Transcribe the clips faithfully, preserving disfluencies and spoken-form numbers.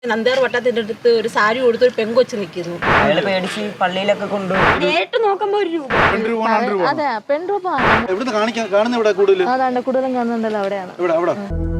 നന്ദേർ വട്ടത്തിന്റെ അടുത്ത് ഒരു സാരി കൊടുത്ത് ഒരു പെങ്കൊച്ച് നിൽക്കുന്നു. അയാള് പേടിച്ച് പള്ളിയിലൊക്കെ കൊണ്ടുപോയി നേരിട്ട് നോക്കുമ്പോ ഒരു രൂപ. അതെ പെൺരൂപ കാണുന്ന ഇവിടെ കൂടുതൽ അതാണ്ട് കൂടുതലും കാണുന്നുണ്ടല്ലോ അവിടെയാണ്. ഇവിടെ അവിടെ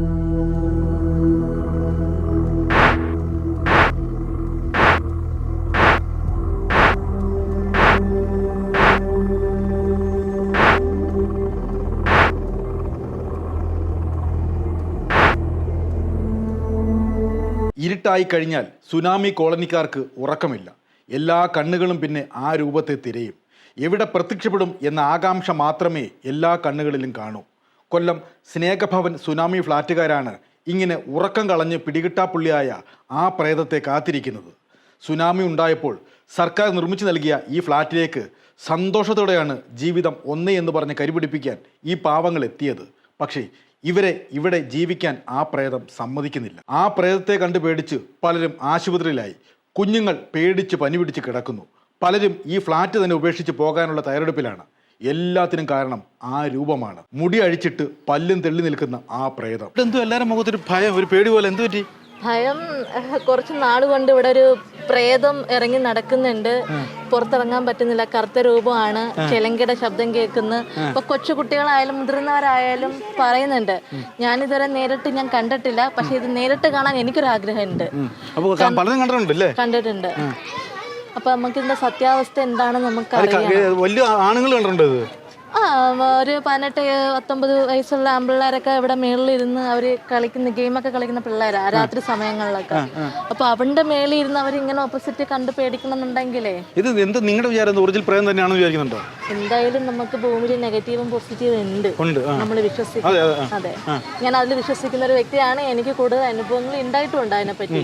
ഇരുട്ടായി കഴിഞ്ഞാൽ സുനാമി കോളനിക്കാർക്ക് ഉറക്കമില്ല. എല്ലാ കണ്ണുകളും പിന്നെ ആ രൂപത്തെ തിരയും. എവിടെ പ്രത്യക്ഷപ്പെടും എന്ന ആകാംക്ഷ മാത്രമേ എല്ലാ കണ്ണുകളിലും കാണൂ. കൊല്ലം സ്നേഹഭവൻ സുനാമി ഫ്ലാറ്റുകാരാണ് ഇങ്ങനെ ഉറക്കം കളഞ്ഞ് പിടികിട്ടാപ്പുള്ളിയായ ആ പ്രേതത്തെ കാത്തിരിക്കുന്നത്. സുനാമി ഉണ്ടായപ്പോൾ സർക്കാർ നിർമ്മിച്ചു നൽകിയ ഈ ഫ്ലാറ്റിലേക്ക് സന്തോഷത്തോടെയാണ് ജീവിതം ഒന്നേ എന്ന് പറഞ്ഞ് കരിപിടിപ്പിക്കാൻ ഈ പാവങ്ങൾ എത്തിയത്. പക്ഷേ ഇവരെ ഇവിടെ ജീവിക്കാൻ ആ പ്രേതം സമ്മതിക്കുന്നില്ല. ആ പ്രേതത്തെ കണ്ട് പേടിച്ച് പലരും ആശുപത്രിയിലായി. കുഞ്ഞുങ്ങൾ പേടിച്ച് പനി പിടിച്ച് കിടക്കുന്നു. പലരും ഈ ഫ്ലാറ്റ് തന്നെ ഉപേക്ഷിച്ച് പോകാനുള്ള തയ്യാറെടുപ്പിലാണ്. എല്ലാത്തിനും കാരണം ആ രൂപമാണ്. മുടി അഴിച്ചിട്ട് പല്ലും തെള്ളി നിൽക്കുന്ന ആ പ്രേതം. എന്തോ എല്ലാവരും മുഖത്തൊരു ഭയം, ഒരു പേടി പോലെ. എന്തു പറ്റി? ഭയം കുറച്ച് നാട് കൊണ്ട് ഇവിടെ ഒരു പ്രേതം ഇറങ്ങി നടക്കുന്നുണ്ട്. പുറത്തിറങ്ങാൻ പറ്റുന്നില്ല. കറുത്ത രൂപമാണ്. ചെലങ്കയുടെ ശബ്ദം കേൾക്കുന്നു. ഇപ്പൊ കൊച്ചു കുട്ടികളായാലും മുതിർന്നവരായാലും പറയുന്നുണ്ട്. ഞാനിതുവരെ നേരിട്ട് ഞാൻ കണ്ടിട്ടില്ല, പക്ഷെ ഇത് നേരിട്ട് കാണാൻ എനിക്കൊരാഗ്രഹമുണ്ട്. കണ്ടിട്ടുണ്ട്. അപ്പൊ നമുക്ക് ഇതിന്റെ സത്യാവസ്ഥ എന്താണെന്ന് നമുക്ക് അറിയാം. ആ ഒരു പതിനെട്ട് പത്തൊമ്പത് വയസ്സുള്ള ആമ്പിള്ളേരൊക്കെ ഇവിടെ മേളിലിരുന്ന് അവര് കളിക്കുന്ന ഗെയിമൊക്കെ കളിക്കുന്ന പിള്ളേരാ രാത്രി സമയങ്ങളിലൊക്കെ. അപ്പൊ അവന്റെ മേളിൽ ഇരുന്ന് അവരിങ്ങനെ ഓപ്പോസിറ്റ് കണ്ട് പേടിക്കണമെന്നുണ്ടെങ്കിലേ ഇത് എന്ത് നിങ്ങളുടെ വിചാരം ഒറിജിനൽ പ്രേതം തന്നെയാണെന്ന് വിചാരിക്കുന്നുണ്ടോ? എന്തായാലും നമുക്ക് ഭൂമിയിൽ നെഗറ്റീവും പോസിറ്റീവും ഉണ്ട്. നമ്മൾ വിശ്വസിക്കും. അതെ, ഞാൻ അതിൽ വിശ്വസിക്കുന്ന ഒരു വ്യക്തിയാണ്. എനിക്ക് കൂടുതൽ അനുഭവങ്ങൾ ഉണ്ടായിട്ടുണ്ട് അതിനെപ്പറ്റി.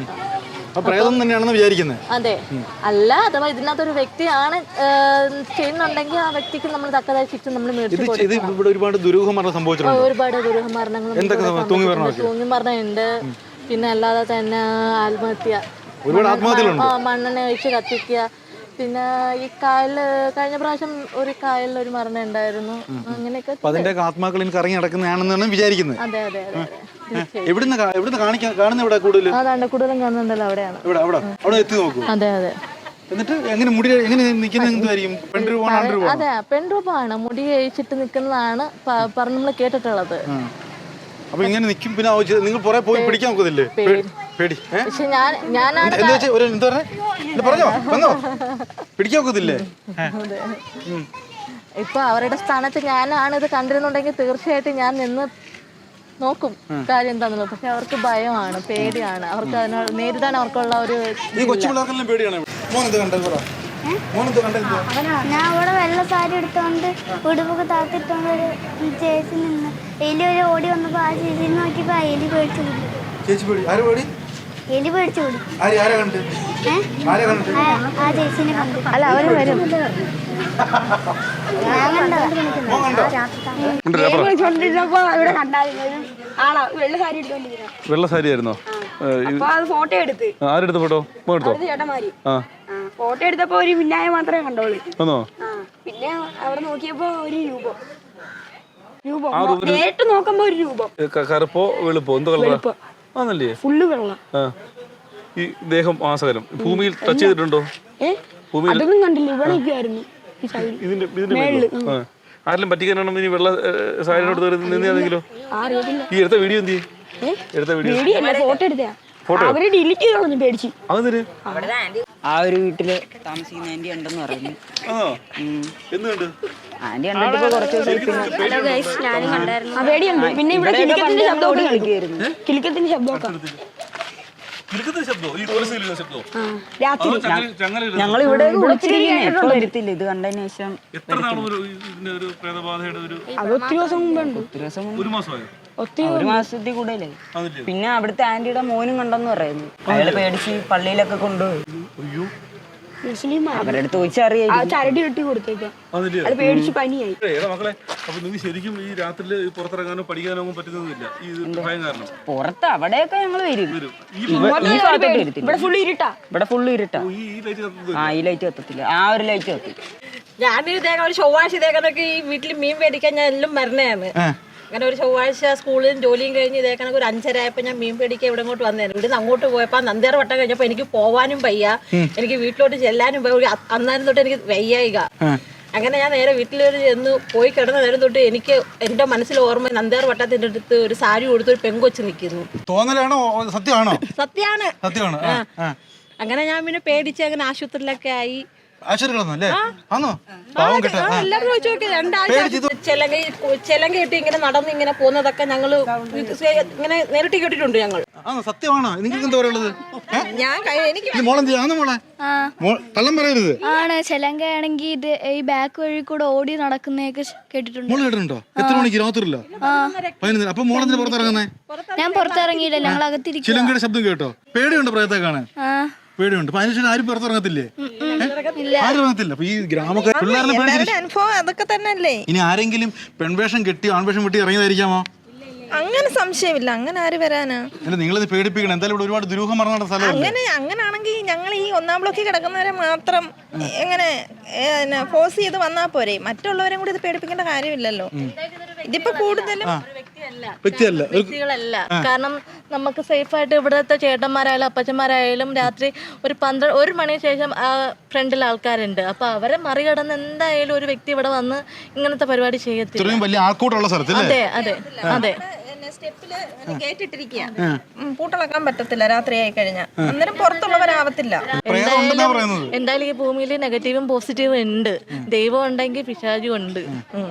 അതെ, അല്ല അഥവാ ഇതിനകത്തൊരു വ്യക്തിയാണ് ചെയ്യുന്നുണ്ടെങ്കിൽ ആ വ്യക്തിക്ക് നമ്മൾ തക്കതായ ശിക്ഷ നമ്മൾ മേടിച്ചു കൊടുക്കും. ഒരുപാട് ദുരൂഹമരണം സംഭവിച്ചിട്ടുണ്ട്. ഒരുപാട് ദുരൂഹമരണങ്ങൾ തൂങ്ങിമരണമുണ്ട്. പിന്നെ അല്ലാതെ തന്നെ ആത്മഹത്യ, മണ്ണെണ്ണ ഒഴിച്ച് കത്തിക്കുക. പിന്നെ ഈ കായലില് കഴിഞ്ഞ പ്രാവശ്യം ഒരു കായലിൽ ഒരു മരണം ഉണ്ടായിരുന്നു. അങ്ങനെയൊക്കെ അതിന്റെ ആത്മാക്കൾ എനിക്ക് ഇറങ്ങി നടക്കുന്നതാണെന്നാണ് വിചാരിക്കുന്നത്. അതെ അതെ അതെ. അതാണ്ട് കൂടുതലും കാണുന്നുണ്ടല്ലോ അവിടെയാണ്. അതെ അതെ. അതെ പെൺരൂപമാണ്. മുടി കഴിച്ചിട്ട് നിൽക്കുന്നതാണ് പറഞ്ഞ് നമ്മൾ കേട്ടിട്ടുള്ളത്. അപ്പൊ ഇങ്ങനെ നിൽക്കും. പിന്നെ നിങ്ങൾ പോയി പിടിക്കാൻ നോക്കുന്നില്ലേ? പക്ഷെ ഞാൻ ഞാനാണ് പിടിക്കാൻ നോക്കത്തില്ലേ? ഇപ്പൊ അവരുടെ സ്ഥാനത്ത് ഞാനാണ് ഇത് കണ്ടിരുന്നുണ്ടെങ്കിൽ തീർച്ചയായിട്ടും ഞാൻ നിന്ന് നോക്കും കാര്യം എന്താണെന്നുള്ളത്. പക്ഷെ അവർക്ക് ഭയമാണ്, പേടിയാണ്. അവർക്ക് അതിനോട് നേരിടാൻ അവർക്കുള്ള ഒരു ഞാൻ അവിടെ വെള്ള സാരി എടുത്തോണ്ട് ഉടുപ്പൊക്കെ താത്തിട്ടോണ്ട് ഒരു ചേച്ചി നിന്ന് എലി ഒരു ഓടി വന്നപ്പോ ആ ചേച്ചി നോക്കിയപ്പോ എലി പേടിച്ചു കൂടി. എലി പേടിച്ചു കൂടി. ആ ചേച്ചിനെ കണ്ടു. അല്ല അവര് വരും. വെള്ള സാരി ആയിരുന്നോ? ഫോട്ടോ എടുത്ത് ആരെടുത്ത ഫോട്ടോ? ചേട്ടന്മാര് ഫോട്ടോ എടുത്തപ്പോ ഒരു മിന്നായ മാത്രമേ കണ്ടോളൂ. പിന്നെ അവിടെ നോക്കിയപ്പോ ഒരു രൂപം രൂപം നേരിട്ട് നോക്കുമ്പോ ഒരു രൂപം. കറുപ്പോ വെളുപ്പോ? എന്തോ കളറാ? ആണല്ലേ? ഫുള്ള് വെള്ളം. ഈ ദേഹം ആസകലം ഭൂമിയിൽ ടച്ച് ചെയ്തിട്ടുണ്ടോ? അതൊന്നും കണ്ടില്ല. ഇവിടെ നിൽക്കുമായിരുന്നു. ആരെങ്കിലും പറ്റിക്കാനാണോ ഇനി വെള്ള സാരിനോട് നിന്നെങ്കിലോ? ഈ എടുത്ത വീഡിയോ എന്ത് ചെയ്യും? എടുത്ത വീഡിയോ ഫോട്ടോ എടുത്താ അവര് ഡിലീറ്റ് ചെയ്ത് കളഞ്ഞു പേടിച്ച്. ആ ഒരു വീട്ടില് താമസിക്കുന്ന ആന്റി ഉണ്ടെന്ന് പറഞ്ഞു. ആന്റി കണ്ടിട്ട് കുറച്ച് ദിവസം പേടിയുണ്ട്. പിന്നെ ഇവിടെ കിളിക്കത്തിന്റെ ശബ്ദമൊക്കെ കളിക്കുമായിരുന്നു. കിളിക്കത്തിന്റെ ശബ്ദമൊക്കെ ഞങ്ങൾ ഇവിടെ വരത്തില്ല. ഇത് കണ്ടതിന് ശേഷം ഒത്തിരി ദിവസം മുമ്പുണ്ട്. ഒരു മാസത്തിൽ കൂടുതലായി. പിന്നെ അവിടുത്തെ ആന്റിയുടെ മോനും കണ്ടെന്ന് പറയുന്നു. അയാള് പേടിച്ച് പള്ളിയിലൊക്കെ കൊണ്ടുപോയി. അവരുടെ അടുത്ത് ചോദിച്ചറിയാം. ചരടി കെട്ടി കൊടുത്തേക്കാം. അത് പേടിച്ച് പനിയായി. ശരിക്കും ഈ രാത്രിയിൽ പുറത്തിറങ്ങാനോ പഠിക്കാനോ പറ്റുന്നില്ല. പുറത്ത് അവിടെയൊക്കെ ഞങ്ങൾ വരും. ഇവിടെ ഫുള്ള് ഇരുട്ടാ. ഇവിടെ ഫുള്ള് ഇരുട്ടാ. ആ ഈ ലൈറ്റ് കത്തത്തില്ല. ആ ഒരു ലൈറ്റ് കത്തി. ഞാനൊരു തേങ്ങ ഒരു ചൊവ്വാഴ്ച തേങ്ങനൊക്കെ ഈ വീട്ടിൽ മീൻ മേടിക്കാൻ ഞാൻ എല്ലാം മരണയാണ്. അങ്ങനെ ഒരു ചൊവ്വാഴ്ച സ്കൂളിലും ജോലിയും കഴിഞ്ഞ് ഇതേ കണക്ക് ഒരു അഞ്ചര ആയപ്പോൾ ഞാൻ മീൻ പിടിക്കാൻ ഇവിടെ ഇങ്ങോട്ട് വന്നേനെ. ഇവിടുന്ന് അങ്ങോട്ട് പോയപ്പോൾ നന്ദിയാർ വട്ടം കഴിഞ്ഞപ്പോൾ എനിക്ക് പോവാനും വയ്യ, എനിക്ക് വീട്ടിലോട്ട് ചെല്ലാനും വയ്യ. അന്നേരം തൊട്ട് എനിക്ക് വയ്യായിക. അങ്ങനെ ഞാൻ നേരെ വീട്ടിലൊരു ചെന്ന് പോയി കിടന്ന നേരം തൊട്ട് എനിക്ക് എന്റെ മനസ്സിൽ ഓർമ്മ നന്ദിയാർ വട്ടത്തിന്റെ അടുത്ത് ഒരു സാരി കൊടുത്ത് ഒരു പെങ്കൊച്ച് നിൽക്കുന്നു. തോന്നലാണോ സത്യമാണോ? സത്യാണ്. സത്യമാണ്. അങ്ങനെ ഞാൻ പിന്നെ പേടിച്ച് അങ്ങനെ ആശുപത്രിയിലൊക്കെ ആയി. എല്ലാവരും ചോദിച്ചു നോക്കി രണ്ടാഴ്ച ചെലങ്ക ചെലങ്ക ഇട്ട് ഇങ്ങനെ നടന്ന് ഇങ്ങനെ പോകുന്നതൊക്കെ ഞങ്ങള് ഇങ്ങനെ നേരിട്ട് കേട്ടിട്ടുണ്ട് ഞങ്ങൾ. സത്യമാണോ? നിങ്ങൾക്ക് എന്താ പറയുള്ളത്? ഞാൻ എനിക്ക് കള്ളം പറയരുത്. ആണ് ചെലങ്കയാണെങ്കിൽ ഇത് ഈ ബാക്ക് വഴി കൂടെ ഓടി നടക്കുന്നതൊക്കെ കേട്ടിട്ടുണ്ട്. മോള് കേട്ടിട്ടുണ്ടോ? എത്ര മണിക്ക്? രാത്രിയില്ല പതിനൊന്ന്. അപ്പൊ മോളെന്തിനാ പുറത്തിറങ്ങുന്നേ? ഞാൻ പുറത്തിറങ്ങിയില്ല, ഞങ്ങൾ അകത്തിരിക്കും. ചിലങ്കയുടെ ശബ്ദം കേട്ടോ? പേടിയുണ്ടോ പ്രേതത്തെ കാണാൻ? പേടിയുണ്ട്. അതിനുശേഷം ആരും പുറത്തിറങ്ങത്തില്ലേ? ആരും ഇറങ്ങത്തില്ല. അപ്പൊ ഈ ഗ്രാമക്കാർ പിള്ളേരെ പേടിച്ചിട്ട് അനുഭവം അതൊക്കെ തന്നെയല്ലേ. ഇനി ആരെങ്കിലും പെൺവേഷം കെട്ടി ആൺവേഷം കെട്ടി ഇറങ്ങിയതായിരിക്കാമോ? അങ്ങനെ സംശയമില്ല. അങ്ങനെ ആര് വരാനാ? അല്ല, നിങ്ങളിത് പേടിപ്പിക്കണം. എന്തായാലും ഇവിടെ ഒരുപാട് ദുരൂഹം പറഞ്ഞ സ്ഥലം. അങ്ങനെ അങ്ങനാണെങ്കിൽ ഞങ്ങൾ ഈ ഒന്നാം ബ്ലോക്കിൽ കിടക്കുന്നവരെ മാത്രം എങ്ങനെ ഫോഴ്സ് ചെയ്ത് വന്നാ പോരെ? മറ്റുള്ളവരെ കൂടി ഇത് പേടിപ്പിക്കേണ്ട കാര്യമില്ലല്ലോ. ഇതിപ്പോ കൂടുതലും വ്യക്തിയല്ല വ്യക്തികളല്ല. കാരണം നമുക്ക് സേഫ് ആയിട്ട് ഇവിടുത്തെ ചേട്ടന്മാരായാലും അപ്പച്ചന്മാരായാലും രാത്രി ഒരു പന്ത്രണ്ട് ഒരു മണിക്ക് ശേഷം ആ ഫ്രണ്ടിൽ ആൾക്കാരുണ്ട്. അപ്പൊ അവരെ മറികടന്ന് എന്തായാലും ഒരു വ്യക്തി ഇവിടെ വന്ന് ഇങ്ങനത്തെ പരിപാടി ചെയ്യത്തില്ല. വലിയ ആൾക്കൂട്ടമുള്ള സ്ഥലത്ത്. അതെ അതെ അതെ. സ്റ്റെപ്പില് കേട്ടിട്ടിരിക്കുക, പൂട്ടിളക്കാൻ പറ്റത്തില്ല രാത്രി ആയി കഴിഞ്ഞാൽ. അന്നേരം പുറത്തുള്ളവരാവത്തില്ല. എന്തായാലും എന്തായാലും ഈ ഭൂമിയിൽ നെഗറ്റീവും പോസിറ്റീവും ഉണ്ട്. ദൈവം ഉണ്ടെങ്കിൽ പിശാചും ഉണ്ട്.